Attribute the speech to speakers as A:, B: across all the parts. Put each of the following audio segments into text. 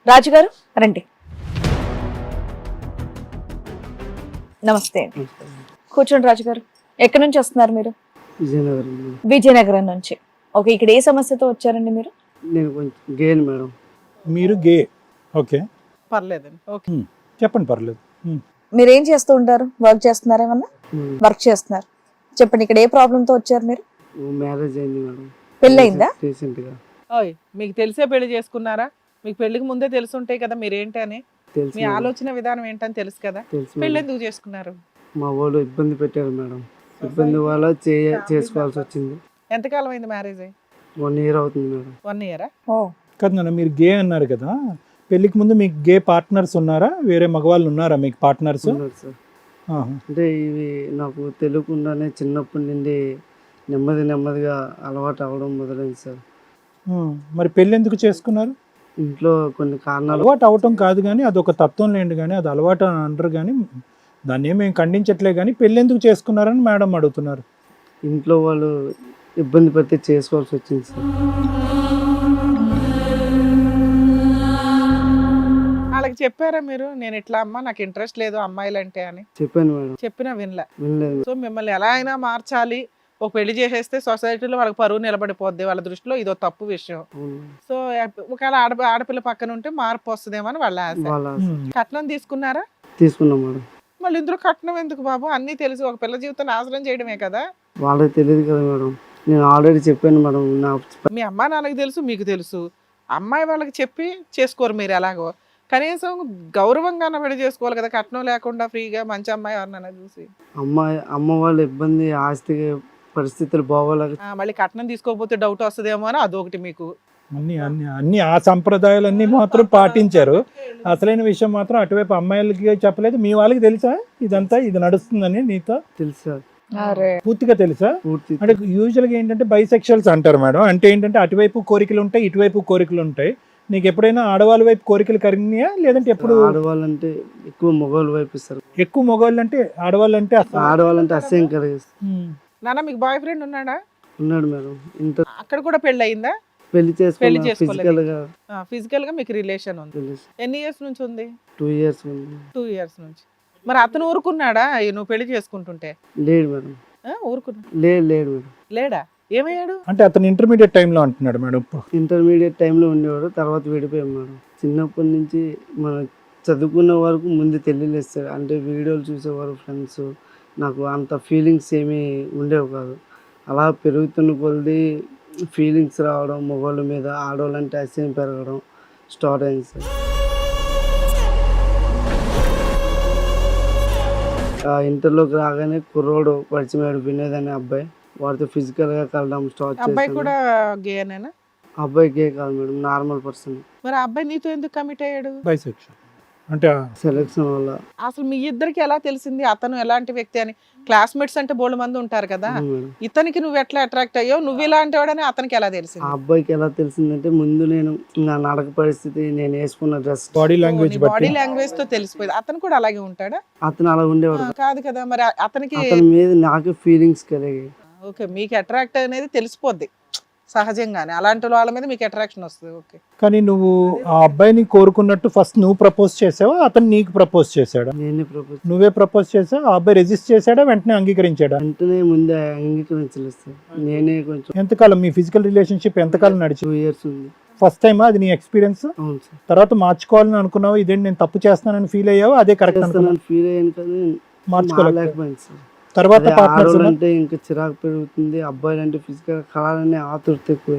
A: రాజుగారు రండి. నమస్తే అండి. కూర్చోండి రాజుగారు. ఎక్కడి నుంచి వస్తున్నారు మీరు?
B: విజయనగరం.
A: విజయనగరం నుంచి. ఓకే, ఇక్కడ ఏ సమస్యతో వచ్చారండి మీరు?
B: నేను కొంచెం గేన్ మేడం.
C: మీరు గే. ఓకే,
D: పర్లేదండి. ఓకే.
C: చెప్పండి, పర్లేదు.
A: మీరు ఏం చేస్తూ ఉంటారు? వర్క్ చేస్తున్నారా? ఏమన్నా వర్క్ చేస్తున్నారు? చెప్పండి, ఇక్కడ ఏ ప్రాబ్లంతో వచ్చారు మీరు?
B: మ్యారేజ్ అయింది మేడం.
A: పెళ్ళయిందా?
B: రీసెంట్ గా.
D: ఓయ్, మీకు తెలిసే పెళ్లి చేసుకున్నారా? మీకు పెళ్లికి ముందే తెలుసుంటాయి కదా మీరేంటి అని,
B: తెలుసు
D: మీ
B: మేడం.
D: ఆలోచన విధానం ఏంటని తెలుసు కదా.
B: తెలుసు
D: పెళ్లి
B: మేడం.
D: ఎందుకు చేసుకున్నారు?
B: మా వాళ్ళు ఇబ్బంది పెట్టారు మేడం. ఇబ్బంది వల్ల చేసుకోవాల్సి వచ్చింది.
D: ఎంతకాలం అయింది మ్యారేజ్ అయ్యి?
B: 1 year అవుతుంది మేడం.
D: 1 year?
A: ఓ,
C: కాదు నాన్న, మీరు గే అన్నారు కదా, పెళ్లికి ముందు మీకు గే పార్ట్నర్స్ ఉన్నారా? వేరే మగవాళ్ళు ఉన్నారా మీకు పార్ట్నర్స్?
B: ఉన్నారు సార్. అంటే ఇవి నాకు తెలియకుండానే చిన్నప్పటి నుండి నెమ్మదిగా అలవాటు అవ్వడం మొదలైంది సార్.
C: మరి పెళ్లి ఎందుకు చేసుకున్నారు?
B: ఇంట్లో కొన్ని కారణాలు.
C: అలవాటు అవటం కాదు కానీ అదొక తత్వం లేండి, కానీ అది అలవాటు అని అంటారు, కానీ దాన్ని ఏమేమి ఖండించట్లే, కానీ పెళ్లి ఎందుకు చేసుకున్నారని మేడం అడుగుతున్నారు.
B: ఇంట్లో వాళ్ళు ఇబ్బంది పడితే చేసుకోవాల్సి వచ్చింది సార్.
D: వాళ్ళకి చెప్పారా మీరు, నేను ఇట్లా అమ్మా నాకు ఇంట్రెస్ట్ లేదు అమ్మాయిలు అంటే అని?
B: చెప్పాను మేడం.
D: చెప్పినా వినలే.
B: వినలేదు.
D: సో మిమ్మల్ని ఎలా అయినా మార్చాలి, ఒక పెళ్లి చేసేస్తే సొసైటీలో వాళ్ళకి పరువు నిలబడిపోద్ది, వాళ్ళ దృష్టిలో ఇదో తప్పు విషయం.
B: అవును.
D: సో ఒకవేళ ఆడపిల్ల పక్కన ఉంటే మార్పు వస్తుందేమో అని వాళ్ళ ఆశ.
B: వాళ్ళ
D: కట్నం తీసుకున్నారా?
B: తీసుకున్నాం మేడం.
D: మళ్ళీ ఇందులో కట్నం ఎందుకు బాబు? అన్నీ తెలుసు, ఒక పిల్ల జీవితం నాశనం చేయడమే కదా.
B: వాళ్ళకి తెలియదు కదా మేడం. నేను ఆల్రెడీ చెప్పాను మేడం. నా
D: మీ అమ్మా నాన్నకి తెలుసు, మీకు తెలుసు. అమ్మాయి వాళ్ళకి చెప్పి చేసుకోరు మీరు ఎలాగో. కనీసం గౌరవంగా పెళ్లి చేసుకోవాలి కదా, కట్నం లేకుండా ఫ్రీగా మంచి అమ్మాయి ఎవరినైనా చూసి.
B: అమ్మ వాళ్ళ ఇబ్బంది, ఆస్తి పరిస్థితులు బాగోలేక.
D: మళ్ళీ కట్నం తీసుకోకపోతే డౌట్ వస్తుందేమో అని అదొకటి మీకు.
C: అన్ని ఆ సంప్రదాయాలన్నీ మాత్రం పాటించారు. అసలైన విషయం మాత్రం అటువైపు అమ్మాయిలకి చెప్పలేదు. మీ వాళ్ళకి తెలుసా ఇదంతా ఇది నడుస్తుందని? నీతో
B: తెలుసు సార్.
C: పూర్తిగా తెలుసా?
B: పూర్తి.
C: అంటే యూజువల్గా ఏంటంటే బైసెక్షువల్స్ అంటారు మేడం. అంటే ఏంటంటే అటువైపు కోరికలు ఉంటాయి, ఇటువైపు కోరికలు ఉంటాయి. నీకు ఎప్పుడైనా ఆడవాళ్ళ వైపు కోరికలు కలిగినాయా? లేదంటే ఎప్పుడు?
B: ఆడవాళ్ళంటే ఎక్కువ మగవాళ్ళు వైపు ఇస్తారు.
C: ఎక్కువ మగవాళ్ళు అంటే ఆడవాళ్ళంటే
B: ఆడవాళ్ళంటే అసహ్యం కలిగిస్తారు.
D: నాన్న మీకు బాయ్ ఫ్రెండ్ ఉన్నాడా?
B: ఉన్నాడు మేడం. ఇంత
D: అక్కడ కూడా పెళ్లి అయిందా?
B: పెళ్లి
D: పెళ్లి
B: చేసుకోవాలి. ఫిజికల్ గా
D: ఫిజికల్ గా మీకు రిలేషన్ ఉంది.
B: తెలుసు.
D: ఎన్ని ఇయర్స్ నుంచి ఉంది?
B: 2 years ఉంది.
D: 2 years నుంచి. మరి అతను ఊరుకున్నాడా నువ్వు పెళ్లి చేసుకుంటుంటే?
B: లేడు మేడం.
D: ఊరుకున్నా?
B: లేడు మేడం.
D: లేడా? ఏమయ్యాడు?
C: అంటే అతను ఇంటర్మీడియట్ టైంలో అంటున్నాడు మేడం. ఇప్పుడు
B: ఇంటర్మీడియట్ టైంలో ఉండేవాడు, తర్వాత విడిపోయాం మేడం. చిన్నప్పటి నుంచి మనం చదువుకున్న వరకు ముందు తెలియలేదు సార్. అంటే వీడియోలు చూసేవారు ఫ్రెండ్స్. నాకు అంత ఫీలింగ్స్ ఏమీ ఉండేవి కాదు. అలా పెరుగుతున్న కొలది ఫీలింగ్స్ రావడం, మగవాళ్ళ మీద ఆడవాళ్ళంటే అసహ్యం పెరగడం స్టార్ట్ అయింది సార్. ఇంటర్లోకి రాగానే కుర్రోడు పరిచయం అయ్యాడు, వినోద్ అనే అబ్బాయి. వాడితో ఫిజికల్గా కలడం స్టార్ట్
D: అబ్బాయి
B: చేశాను.
D: కూడా గేనేనా?
B: అబ్బాయి గే కాదు మేడం, నార్మల్ పర్సన్.
D: మరి ఆ అబ్బాయి నీతో ఎందుకు కమిట్ అయ్యాడు?
C: బైసెక్షువల్ అంటే
B: సెలక్షన్ వల్ల.
D: అసలు మీ ఇద్దరికి ఎలా తెలిసింది అతను ఎలాంటి వ్యక్తి అని? క్లాస్మేట్స్ అంటే బోల్డ్ మంది ఉంటారు కదా,
B: అవును మేడం.
D: ఇతనికి నువ్వు ఎట్లా అట్రాక్ట్ అయ్యో, నువ్వు ఇలాంటి వాడని అతనికి ఎలా
B: ఆ
D: తెలిసింది?
B: అబ్బాయికి ఎలా తెలిసిందంటే, ముందు నేను నా నడక పరిస్థితి, నేను వేసుకున్న డ్రెస్,
C: బాడీ లాంగ్వేజ్
D: బాడీ
C: బట్టి
D: లాంగ్వేజ్ తో తెలిసిపోయింది. అతను కూడా అలాగే ఉంటాడా?
B: అతను అలా ఉండేవాడు.
D: కాదు కదా, మరి అతనికి
B: అతని మీద నాకు ఫీలింగ్స్ కలిగాయి.
D: ఓకే, మీకు అట్రాక్ట్ అనేది తెలిసిపోద్ది సహజంగానే. అలాంటి వాళ్ళ మీద మీకు అట్రాక్షన్ వస్తుంది. ఓకే,
C: కానీ నువ్వు ఆ అబ్బాయిని కోరుకున్నట్టు ఫస్ట్ నువ్వు ప్రపోజ్ చేసావా, అతను నీకు ప్రపోజ్ చేశాడా?
B: నేనే ప్రపోజ్.
C: నువ్వే ప్రపోజ్ చేసావు. ఆ అబ్బాయి రెజిస్ట్ చేశాడా, వెంటనే అంగీకరించాడా?
B: వెంటనే ముందే అంగీకరించలేదు సార్. నేనే కొంచెం.
C: ఎంతకాలం మీ ఫిజికల్ రిలేషన్షిప్ ఎంతకాలం నడిచింది?
B: 2 years ఉంది.
C: ఫస్ట్ టైమా అది నీ ఎక్స్పీరియన్స్?
B: అవును సార్.
C: తర్వాత మార్చుకోవాలని అనుకున్నావు, ఇదేంటి నేను తప్పు చేస్తున్నానని ఫీల్ అయ్యావు, అదే కరెక్ట్ అనుకున్నావు,
B: ఫీల్ అయ్యాను కానీ
C: మార్చుకోలేకపోయింది.
B: సార్.
C: తర్వాత
B: అదే
C: పార్ట్నర్స్
B: ఆడవాళ్ళు అంటే ఇంకా చిరాకు పెరుగుతుంది, అబ్బాయిలు అంటే ఫిజికల్ కలాలనే ఆతురత ఎక్కువ.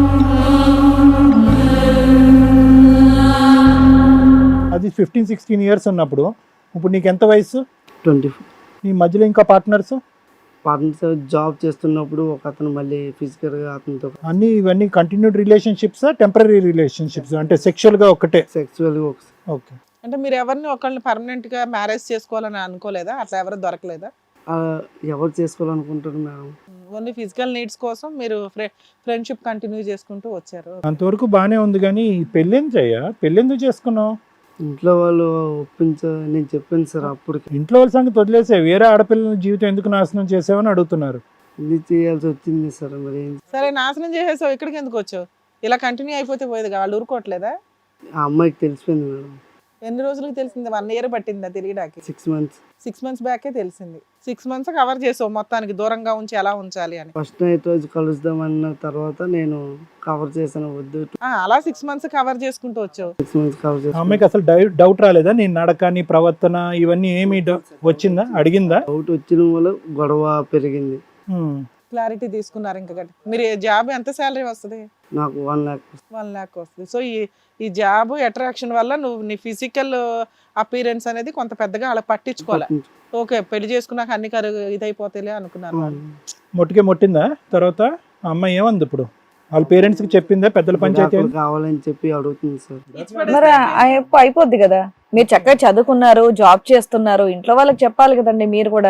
C: అది 15-16 years ఉన్నప్పుడు. ఇప్పుడు నీకు ఎంత వయసు?
B: 24.
C: నీ మధ్యలో ఇంకా పార్ట్నర్స్?
B: పార్ట్నర్స్ జాబ్ చేస్తున్నప్పుడు ఒక అతను మళ్ళీ ఫిజికల్ గా అతనితో
C: అన్ని ఇవన్నీ కంటిన్యూడ్ రిలేషన్షిప్స్, టెంపరీ రిలేషన్షిప్స్, అంటే సెక్షువల్ గా ఒకటే?
B: సెక్సువల్ గా ఒకసారి.
C: ఓకే.
D: అంటే మీరు ఎవరిని ఒకళ్ళని పర్మనెంట్ గా మ్యారేజ్ చేసుకోవాలని అనుకోలేదా? అట్లా ఎవరు దొరకలేదా?
B: ఎవరు చేసుకోవాలనుకుంటారు మేడం?
D: ఓన్లీ ఫిజికల్ నీడ్స్ కోసం మీరు ఫ్రెండ్షిప్ కంటిన్యూ చేసుకుంటూ వచ్చారు.
C: అంతవరకు బానే ఉంది, కానీ పెళ్ళేంటయ్యా, పెళ్ళెందుకు చేసుకున్నావు?
B: ఇంట్లో వాళ్ళు నేను చెప్పాను సార్ అప్పటికి.
C: ఇంట్లో వాళ్ళ సంగతి వదిలేసే, వేరే ఆడపిల్లల జీవితం ఎందుకు నాశనం చేసావని అడుగుతున్నారు.
B: ఇది చేయాల్సి వచ్చింది సార్. మరి
D: సరే, నాశనం చేసేసావు, ఇక్కడికి ఎందుకు వచ్చావు? ఇలా కంటిన్యూ అయిపోతే పోయేది, వాళ్ళు ఊరుకోవట్లేదా?
B: ఆ అమ్మాయికి తెలిసిపోయింది మేడం.
D: ఎన్ని రోజులకు తెలిసింది? 1 year పట్టిందా తెలియడానికి?
B: 6 months.
D: 6 months బ్యాకే తెలిసింది. 6 months కవర్ చేసావు మొత్తానికి, దూరంగా ఉంచి ఎలా ఉంచాలి అని.
B: ఫస్ట్ నైట్ రోజు కలుద్దామన్న తర్వాత నేను కవర్ చేశాను, వద్దు
D: అలా 6 months కవర్ చేసుకుంటూ వచ్చావు.
B: 6 months కవర్
C: ఆ
B: చేశాను.
C: అమ్మాయికి అసలు డౌట్ రాలేదా? నీ నడక, నీ ప్రవర్తన ఇవన్నీ ఏమి వచ్చిందా? అడిగిందా?
B: డౌట్ వచ్చిన వల్ల గొడవ పెరిగింది.
D: క్లారిటీ తీసుకున్నారు ఇంకా గట్టి. మీరు జాబ్ ఎంత శాలరీ వస్తుంది?
B: నాకు 1 lakh.
D: 1 lakh వస్తుంది. సో ఈ జాబ్ అట్రాక్షన్ వల్ల నువ్వు నీ ఫిజికల్ అపీరెన్స్ అనేది కొంత పెద్దగా అలా పట్టించుకోవాలి. ఓకే, పెళ్లి చేసుకున్నాక అన్ని ఇదైపోతాయిలే అనుకున్నారు వాళ్ళు.
C: మొట్టికే మొట్టిందా? తర్వాత ఆ అమ్మాయి ఏమంది ఇప్పుడు? వాళ్ళ పేరెంట్స్ కి చెప్పిందా? పెద్దల పంచాయతీ
B: విడాకులు కావాలని చెప్పి అడుగుతుంది సార్.
A: మరి అయిపోద్ది కదా. మీరు చక్కగా చదువుకున్నారు, జాబ్ చేస్తున్నారు, ఇంట్లో వాళ్ళకి చెప్పాలి కదండి మీరు కూడా.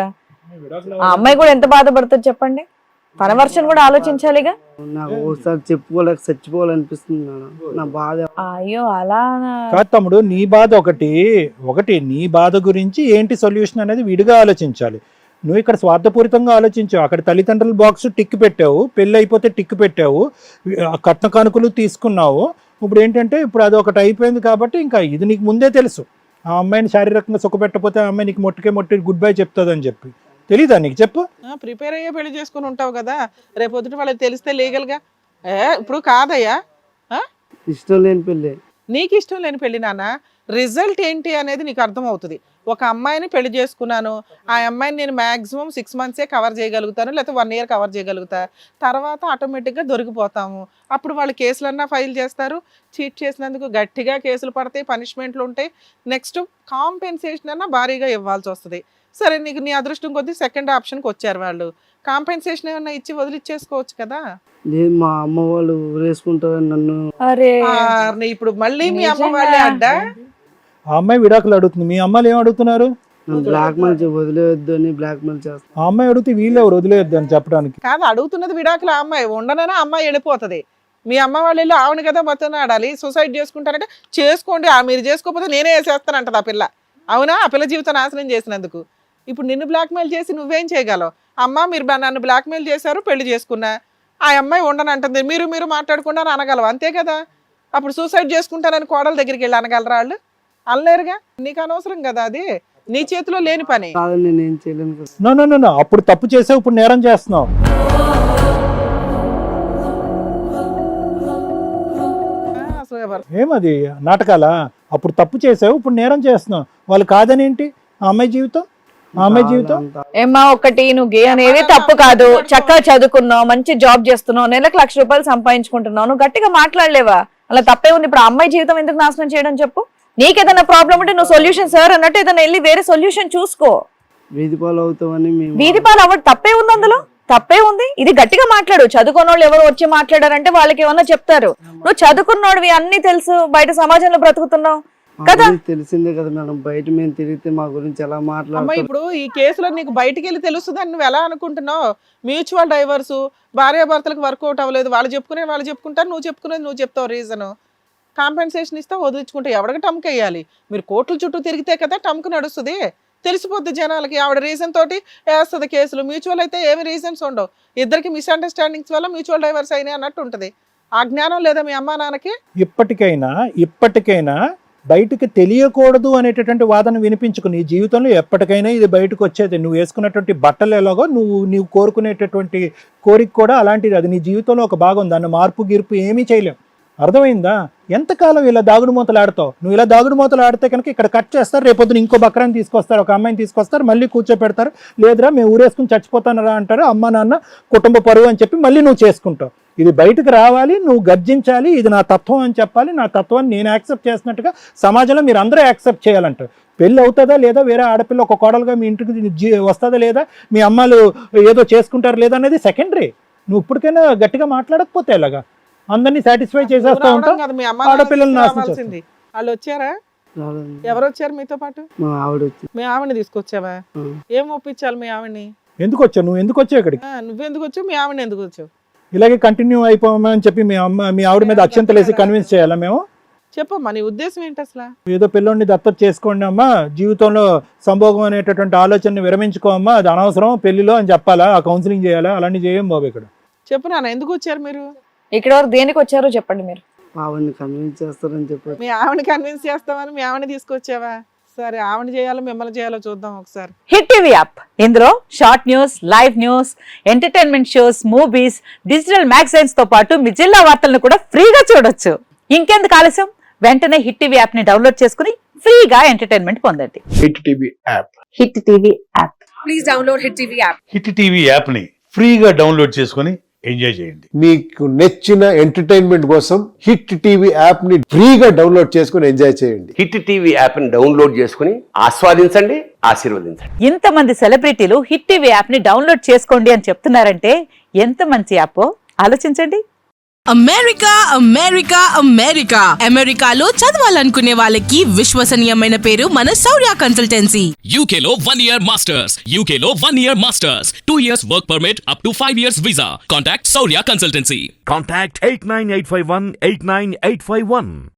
A: ఆ అమ్మాయి కూడా ఎంత బాధపడుతుంది చెప్పండి. తన వర్షన్ కూడా ఆలోచించాలిగా.
B: నాకు ఒకసారి చెప్పుకోలేక చచ్చిపోవాలనిపిస్తుంది మేడం. నా బాధ.
A: అయ్యో అలా
C: కాదు తమ్ముడు, నీ బాధ ఒకటి నీ బాధ గురించి ఏంటి సొల్యూషన్ అనేది విడిగా ఆలోచించాలి. నువ్వు ఇక్కడ స్వార్థపూరితంగా ఆలోచించావు. అక్కడ తల్లిదండ్రుల బాక్స్ టిక్ పెట్టావు, పెళ్ళి అయిపోతే టిక్ పెట్టావు, కట్న కానుకలు తీసుకున్నావు. ఇప్పుడు ఏంటంటే ఇప్పుడు అది ఒకటి అయిపోయింది కాబట్టి ఇంకా ఇది నీకు ముందే తెలుసు. ఆ అమ్మాయిని శారీరకంగా సుఖపెట్టకపోతే ఆ అమ్మాయి నీకు మొట్టి గుడ్ బై చెప్తుందని చెప్పి తెలీదా నీకు? చెప్పు.
D: ప్రిపేర్ అయ్యే పెళ్లి చేసుకుని ఉంటావు కదా, రేపు పొద్దుట వాళ్ళకి తెలిస్తే లీగల్గా ఇప్పుడు కాదయ్యా.
B: ఇష్టం లేని పెళ్ళి.
D: నీకు ఇష్టం లేని పెళ్లి నాన్న, రిజల్ట్ ఏంటి అనేది నీకు అర్థమవుతుంది. ఒక అమ్మాయిని పెళ్లి చేసుకున్నాను, ఆ అమ్మాయిని నేను మ్యాక్సిమం 6 months కవర్ చేయగలుగుతాను, లేకపోతే 1 year కవర్ చేయగలుగుతా. తర్వాత ఆటోమేటిక్గా దొరికిపోతాము. అప్పుడు వాళ్ళు కేసులన్నా ఫైల్ చేస్తారు, చీట్ చేసినందుకు గట్టిగా కేసులు పడతాయి, పనిష్మెంట్లు ఉంటాయి. నెక్స్ట్ కాంపెన్సేషన్ అన్నా భారీగా ఇవ్వాల్సి వస్తుంది. సరే, నీకు నీ అదృష్టం కొద్దీ సెకండ్ ఆప్షన్కి వచ్చారు వాళ్ళు. కాంపెన్సేషన్ ఏమన్నా ఇచ్చి వదిలిచ్చేసుకోవచ్చు కదా.
B: లేదు, మా అమ్మ వాళ్ళు ఊరేసుకుంటారని నన్ను.
A: అరే
D: ఇప్పుడు మళ్ళీ మీ అమ్మ వాళ్ళే అడ్డా.
C: ఆ అమ్మాయి విడాకులు అడుగుతుంది, మీ అమ్మాయిలు ఏం అడుగుతున్నారు?
B: నన్ను బ్లాక్ మెయిల్ వదిలేయొద్దు అని బ్లాక్ మెయిల్ చేస్తాను.
C: ఆ అమ్మాయి అడిగితే వీళ్ళు ఎవరు వదిలేయొద్దు అని చెప్పడానికి?
D: కాదు, అడుగుతున్నది విడాకులు. ఆ అమ్మాయి ఉండనైనా అమ్మాయి వెళ్ళిపోతుంది. మీ అమ్మ వాళ్ళు వెళ్ళి ఆవిడ కదా మొత్తం ఆడాలి. సూసైడ్ చేసుకుంటారంటే చేసుకోండి, మీరు చేసుకోకపోతే నేనే వేసేస్తానంటది ఆ పిల్ల. అవునా? ఆ పిల్ల జీవితం నాశనం చేసినందుకు. ఇప్పుడు నిన్ను బ్లాక్మెయిల్ చేసి నువ్వేం చేయగలవు? అమ్మ మీరు నన్ను బ్లాక్మెయిల్ చేశారు, పెళ్లి చేసుకున్నా, ఆ అమ్మాయి ఉండనంటుంది, మీరు మాట్లాడకుండా అనగలవు, అంతే కదా. అప్పుడు సూసైడ్ చేసుకుంటానని కోడల దగ్గరికి వెళ్ళి అనగలరా వాళ్ళు? అనలేరుగా. నీకు అనవసరం కదా, అది నీ చేతిలో లేని పని.
B: కాదని నేను ఏం చేయలేను కదా.
C: నో అప్పుడు తప్పు చేసావు, ఇప్పుడు నేరం చేస్తున్నావు. ఏమది నాటకాలా? అప్పుడు తప్పు చేసావు, ఇప్పుడు నేరం చేస్తున్నావు. వాళ్ళు కాదని ఏంటి? ఆ అమ్మాయి జీవితం, ఆ అమ్మాయి జీవితం.
A: ఏమ్మా, ఒకటి నువ్వు గే అనేది తప్పు కాదు. చక్కగా చదువుకున్నావు, మంచి జాబ్ చేస్తున్నావు, నెలకు 1,00,000 రూపాయలు సంపాదించుకుంటున్నావు, నువ్వు గట్టిగా మాట్లాడలేవా? అలా తప్పే ఉంది. ఇప్పుడు ఆ అమ్మాయి జీవితం ఎందుకు నాశనం చేయడం చెప్పు? నీకేదైనా ప్రాబ్లం ఉంటే నువ్వు సొల్యూషన్ సార్ అన్నట్టు ఏదైనా వెళ్ళి వేరే సొల్యూషన్ చూసుకో.
B: వీధి పాలు అవుతామని
A: వీధి పాలు అవ్వడం తప్పే ఉంది, అందులో తప్పే ఉంది. ఇది గట్టిగా మాట్లాడు. చదువుకున్న వాళ్ళు ఎవరు వచ్చి మాట్లాడారంటే వాళ్ళకి ఏమన్నా చెప్తారు. నువ్వు చదువుకున్నోడివి, అన్ని తెలుసు, బయట సమాజంలో బ్రతుకుతున్నావు కదా.
B: తెలిసిందే కదా మేడం, బయట మేము తిరిగితే మా గురించి ఎలా మాట్లాడుతారు.
D: ఇప్పుడు ఈ కేసులో నీకు బయటికి వెళ్ళి తెలుస్తుందని నువ్వు ఎలా అనుకుంటున్నావు? మ్యూచువల్ డైవర్స్, భార్యాభర్తలకు వర్కౌట్ అవ్వలేదు, వాళ్ళు చెప్పుకుంటారు, నువ్వు చెప్పుకునేది నువ్వు చెప్తావు. రీజన్ కాంపెన్సేషన్ ఇస్తా, వదిలించుకుంటే ఎవరికి టమ్క్ వేయాలి? మీరు కోర్టుల చుట్టూ తిరిగితే కదా టమ్క్ నడుస్తుంది. తెలిసిపోద్ది జనాలకి. ఆవిడ రీజన్ తోటి వేస్తుంది కేసులు. మ్యూచువల్ అయితే ఏమి రీజన్స్ ఉండవు. ఇద్దరికి మిస్అండర్స్టాండింగ్స్ వల్ల మ్యూచువల్ డైవర్స్ అయినాయి అన్నట్టు ఉంటుంది. ఆ జ్ఞానం లేదా మీ అమ్మా నాన్నకి?
C: ఇప్పటికైనా బయటకు తెలియకూడదు అనేటటువంటి వాదన వినిపించుకు. నీ జీవితంలో ఎప్పటికైనా ఇది బయటకు వచ్చేది. నువ్వు వేసుకున్నటువంటి బట్టలు ఎలాగో నీవు కోరుకునేటటువంటి కోరిక కూడా అలాంటిది. అది నీ జీవితంలో ఒక భాగం. దాన్ని మార్పు గిర్పు ఏమీ చేయలేం. అర్థమైందా? ఎంతకాలం ఇలా దాగుడు మూతలు ఆడతావు? నువ్వు ఇలా దాగుడు మూతలు ఆడితే కనుక ఇక్కడ కట్ చేస్తారు, రేపొద్దున ఇంకో బక్రాన్ని తీసుకొస్తారు, ఒక అమ్మాయిని తీసుకొస్తారు, మళ్ళీ కూర్చోపెడతారు. లేదురా మేము ఊరేసుకుని చచ్చిపోతానరా అంటారు. అమ్మ నాన్న కుటుంబ పరువు అని చెప్పి మళ్ళీ నువ్వు చేసుకుంటావు. ఇది బయటకు రావాలి, నువ్వు గర్జించాలి, ఇది నా తత్వం అని చెప్పాలి. నా తత్వాన్ని నేను యాక్సెప్ట్ చేసినట్టుగా సమాజంలో మీరు అందరూ యాక్సెప్ట్ చేయాలంటారు. పెళ్ళి అవుతుందా లేదా, వేరే ఆడపిల్ల ఒక కోడలుగా మీ ఇంటికి వస్తుందా లేదా, మీ అమ్మాలు ఏదో చేసుకుంటారు లేదా అనేది సెకండరీ. నువ్వు ఇప్పటికైనా గట్టిగా మాట్లాడకపోతే ఎలాగా? అందరినీ సాటిస్ఫై చేసేస్తా ఉంటావు, ఆడపిల్లలు నాశనం చేస్తావు.
D: వాళ్ళు వచ్చారా? ఎవరు వచ్చారు మీతో పాటు?
B: మా ఆవిడ వచ్చింది.
D: మీ ఆవిడని తీసుకొచ్చావా? ఏం ఒప్పించాలి మీ ఆవిడని?
C: ఎందుకు వచ్చావు? నువ్వు ఎందుకు వచ్చావు ఇక్కడికి?
D: నువ్వెందుకు వచ్చావు? మీ ఆవిడని ఎందుకు వచ్చావు?
C: ఇలాగే కంటిన్యూ అయిపోమని చెప్పి మీ ఆవిడ మీద అక్షంతలేసి కన్విన్స్ చేయాలా మేము?
D: చెప్పమ్మా, నీ ఉద్దేశం ఏంటి అసలు?
C: ఏదో పిల్లోడిని దత్తత చేసుకోండి అమ్మా, జీవితంలో సంభోగం అనేటటువంటి ఆలోచనని విరమించుకోమ్మా, అది అనవసరం పెళ్లిలో అని చెప్పాలా? ఆ కౌన్సిలింగ్ చేయాలా? అలాంటి చేయం బాబు. ఇక్కడ
D: చెప్పు నాన్న, ఎందుకు వచ్చారు మీరు?
A: ఇక్కడ వరకు దేనికి వచ్చారో చెప్పండి మీరు.
B: ఆవిడని కన్విన్స్ చేస్తారని చెప్పారు.
D: మీ ఆవిడ కన్విన్స్ చేస్తామని మీ ఆవిడ తీసుకొచ్చావా? సరే, ఆవిడ చేయాలో మిమ్మల్ని చేయాలో చూద్దాం ఒకసారి.
A: హిట్ టీవీ యాప్ ఇందులో short news, live news, entertainment shows, movies, digital magazines తో పాటు మీ జిల్లా వార్తలను కూడా ఫ్రీగా చూడొచ్చు. ఇంకెందుకు ఆలస్యం, వెంటనే హిట్ టీవీ యాప్ ని డౌన్లోడ్ చేసుకుని ఫ్రీగా ఎంటర్టైన్మెంట్ పొందండి.
E: Hit TV app.
A: Hit TV app.
F: Please download Hit TV app.
G: Hit TV యాప్ని ఫ్రీగా డౌన్లోడ్ చేసుకొని ఎంజాయ్ చేయండి.
E: మీకు నచ్చిన ఎంటర్టైన్మెంట్ కోసం హిట్ టీవీ యాప్ ని ఫ్రీగా డౌన్లోడ్ చేసుకుని ఎంజాయ్ చేయండి.
H: హిట్ టీవీ యాప్ని డౌన్లోడ్ చేసుకుని ఆస్వాదించండి, ఆశీర్వదించండి.
A: ఇంతమంది సెలబ్రిటీలు హిట్ టీవీ యాప్ ని డౌన్లోడ్ చేసుకోండి అని చెప్తున్నారంటే ఎంత మంచి యాప్ ఆలోచించండి.
F: అమెరికా అమెరికా అమెరికా అమెరికాలో చదవాలనుకునే వాళ్ళకి విశ్వసనీయమైన పేరు మన శౌర్య కన్సల్టెన్సీ.
I: UK లో 1 year masters. UK లో 1 year masters. 2 years work permit up to 5 years visa. Contact Saurya Consultancy.
J: Contact 89851 89851.